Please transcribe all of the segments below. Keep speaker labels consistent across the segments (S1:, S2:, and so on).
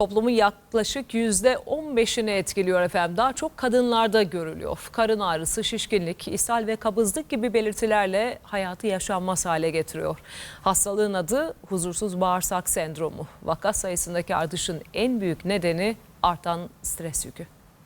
S1: Toplumun yaklaşık %15'ini etkiliyor efendim. Daha çok kadınlarda görülüyor. Karın ağrısı, şişkinlik, ishal ve kabızlık gibi belirtilerle hayatı yaşanmaz hale getiriyor. Hastalığın adı huzursuz bağırsak sendromu. Vaka sayısındaki artışın en büyük nedeni artan stres yükü.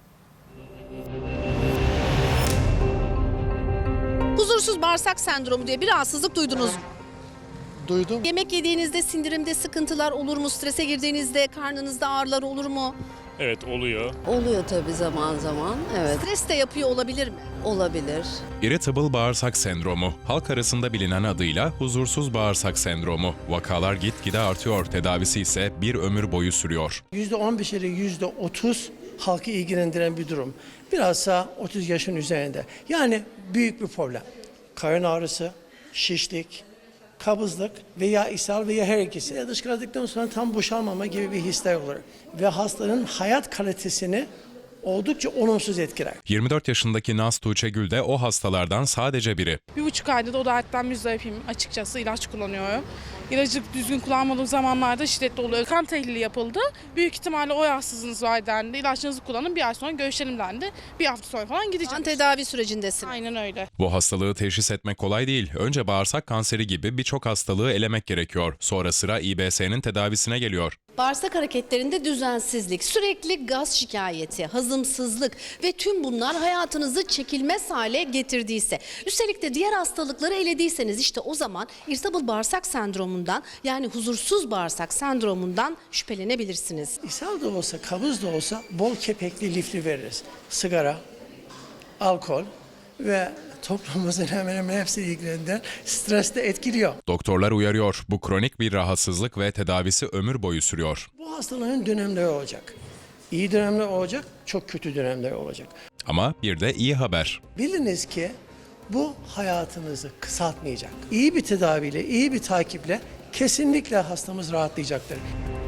S2: Huzursuz bağırsak sendromu diye bir rahatsızlık duydunuz mu?
S3: Duydum.
S2: Yemek yediğinizde sindirimde sıkıntılar olur mu? Strese girdiğinizde karnınızda ağrılar olur mu?
S4: Evet, oluyor.
S5: Oluyor tabii zaman zaman. Evet,
S2: Stres de yapıyor olabilir mi?
S5: olabilir.
S6: Irritable bağırsak sendromu, halk arasında bilinen adıyla huzursuz bağırsak sendromu. Vakalar gitgide artıyor, tedavisi ise bir ömür boyu sürüyor.
S3: %15 ile %30 halkı ilgilendiren bir durum. Bilhassa 30 yaşın üzerinde. Yani büyük bir problem. Karın ağrısı, şişlik, kabızlık veya ishal veya her ikisi. Dışkıladıktan sonra tam boşalmama gibi bir hisler olur. Ve hastanın hayat kalitesini oldukça olumsuz etkiler.
S6: 24 yaşındaki Naz Tuğçe Gül de o hastalardan sadece biri.
S7: 1,5 aydır da o dertten müzdaripim açıkçası. İlaç kullanıyorum. İlacı düzgün kullanmadığım zamanlarda şiddetli oluyor. Kan tahlili yapıldı. Büyük ihtimalle o rahatsızlığınız var dendi. İlaçlarınızı kullanın, bir ay sonra görüşelim dendi. Bir hafta sonra falan gideceğim.
S2: Kan tedavi sürecindesin.
S7: Aynen öyle.
S6: Bu hastalığı teşhis etmek kolay değil. Önce bağırsak kanseri gibi birçok hastalığı elemek gerekiyor. Sonra sıra İBS'nin tedavisine geliyor.
S2: Bağırsak hareketlerinde düzensizlik, sürekli gaz şikayeti, hazımsızlık ve tüm bunlar hayatınızı çekilmez hale getirdiyse, üstelik de diğer hastalıkları elediyseniz işte o zaman irritable bağırsak sendromundan yani huzursuz bağırsak sendromundan şüphelenebilirsiniz.
S3: İshal da olsa, kabız da olsa bol kepekli lifli veririz. Sigara, alkol ve toplumumuzun hemen hemen hepsi ilgilenen stres de etkiliyor.
S6: Doktorlar uyarıyor, bu kronik bir rahatsızlık ve tedavisi ömür boyu sürüyor.
S3: Bu hastalığın dönemleri olacak. İyi dönemler olacak, çok kötü dönemler olacak.
S6: Ama bir de iyi haber.
S3: Biliniz ki bu hayatınızı kısaltmayacak. İyi bir tedaviyle, iyi bir takiple kesinlikle hastamız rahatlayacaktır.